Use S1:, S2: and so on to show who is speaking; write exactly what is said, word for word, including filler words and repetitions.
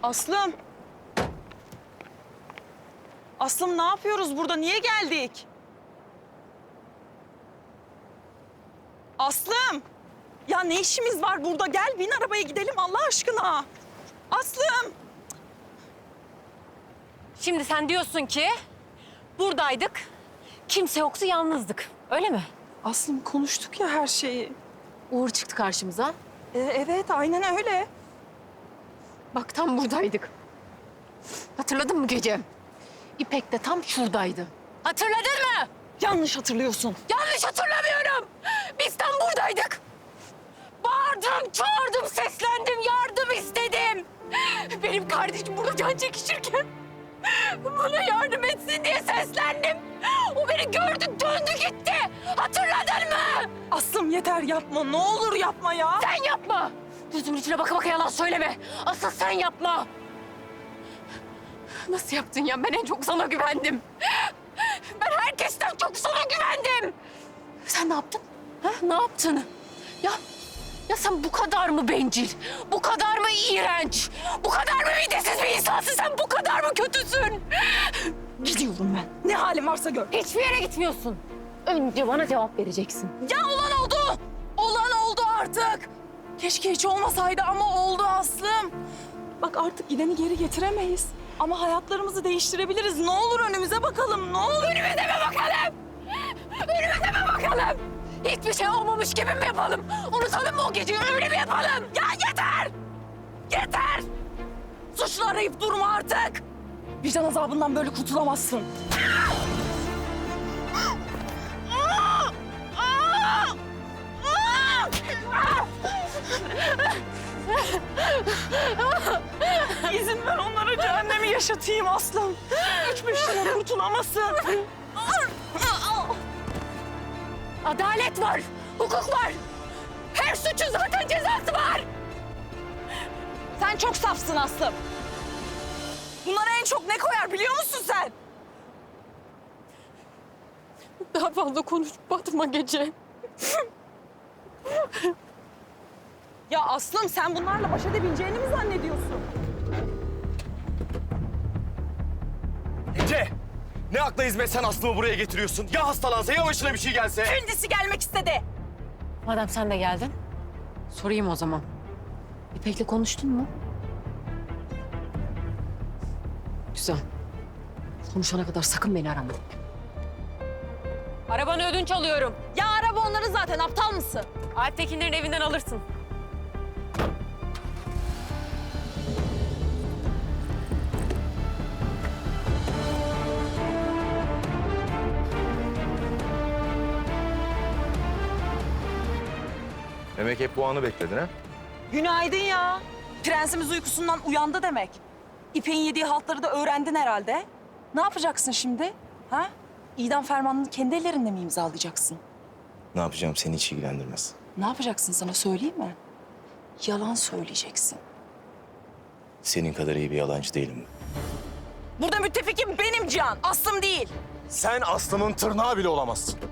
S1: Aslım. Aslım ne yapıyoruz burada? Niye geldik? Aslım. Ya ne işimiz var burada? Gel bin arabaya gidelim Allah aşkına. Aslım.
S2: Şimdi sen diyorsun ki buradaydık, kimse yoktu, yalnızdık. Öyle mi?
S1: Aslım konuştuk ya her şeyi.
S2: Uğur çıktı karşımıza.
S1: Ee, evet aynen öyle.
S2: Bak tam buradaydık. Hatırladın mı gece? İpek de tam şuradaydı. Hatırladın mı?
S1: Yanlış hatırlıyorsun.
S2: Yanlış hatırlamıyorum. Biz tam buradaydık. Bağırdım, çağırdım, seslendim, yardım istedim. Benim kardeşim burada can çekişirken bana yardım etsin diye seslendim. O beni gördü, döndü gitti. Hatırladın mı?
S1: Aslım yeter yapma. Ne olur yapma ya.
S2: Sen yapma. Gözümün içine baka baka yalan söyleme. Asıl sen yapma. Nasıl yaptın ya? Ben en çok sana güvendim. Ben herkesten çok sana güvendim. Sen ne yaptın? Ha? Ne yaptın? Ya, ya sen bu kadar mı bencil? Bu kadar mı iğrenç? Bu kadar mı midesiz bir insansın? Sen bu kadar mı kötüsün?
S1: Gidiyorum ben. Ne halim varsa gör.
S2: Hiçbir yere gitmiyorsun. Önce bana cevap vereceksin.
S1: Ya olan oldu. Olan oldu artık. Keşke hiç olmasaydı ama oldu Aslım. Bak artık gideni geri getiremeyiz. Ama hayatlarımızı değiştirebiliriz. Ne olur önümüze bakalım, ne olur.
S2: Önümüze mi bakalım? Önümüze mi bakalım? Hiçbir şey olmamış gibi mi yapalım? Unutalım mı o geceyi, öyle mi yapalım?
S1: Ya yeter! Yeter! Suçlu arayıp durma artık. Vicdan azabından böyle kurtulamazsın. İzin ver onlara cehennemi yaşatayım Aslım. Üç beş yıl kurtulamasın.
S2: Adalet var, hukuk var. Her suçun zaten cezası var.
S1: Sen çok safsın Aslım. Bunlara en çok ne koyar biliyor musun sen?
S2: Daha fazla konuşup batma gece.
S1: Ya Aslım sen bunlarla baş edebileceğini mi zannediyorsun?
S3: Ece! Ne akla hizmet sen Aslı'mı buraya getiriyorsun? Ya hastalansa ya başına bir şey gelse?
S1: Kendisi gelmek istedi.
S2: Madem sen de geldin, sorayım o zaman. İpek'le konuştun mu? Güzel. Konuşana kadar sakın beni arama. Arabanı ödünç alıyorum.
S1: Ya araba onların zaten, aptal mısın?
S2: Alp Tekinler'in evinden alırsın.
S3: Demek hep bu anı bekledin ha?
S1: Günaydın ya. Prensimiz uykusundan uyandı demek. İpek'in yediği haltları da öğrendin herhalde. Ne yapacaksın şimdi? Ha? İdam fermanını kendi ellerinle mi imzalayacaksın?
S3: Ne yapacağım seni hiç ilgilendirmez.
S1: Ne yapacaksın sana söyleyeyim mi? Yalan söyleyeceksin.
S3: Senin kadar iyi bir yalancı değilim.
S1: Burada müttefikim benim Cihan, Aslım değil.
S3: Sen Aslı'nın tırnağı bile olamazsın.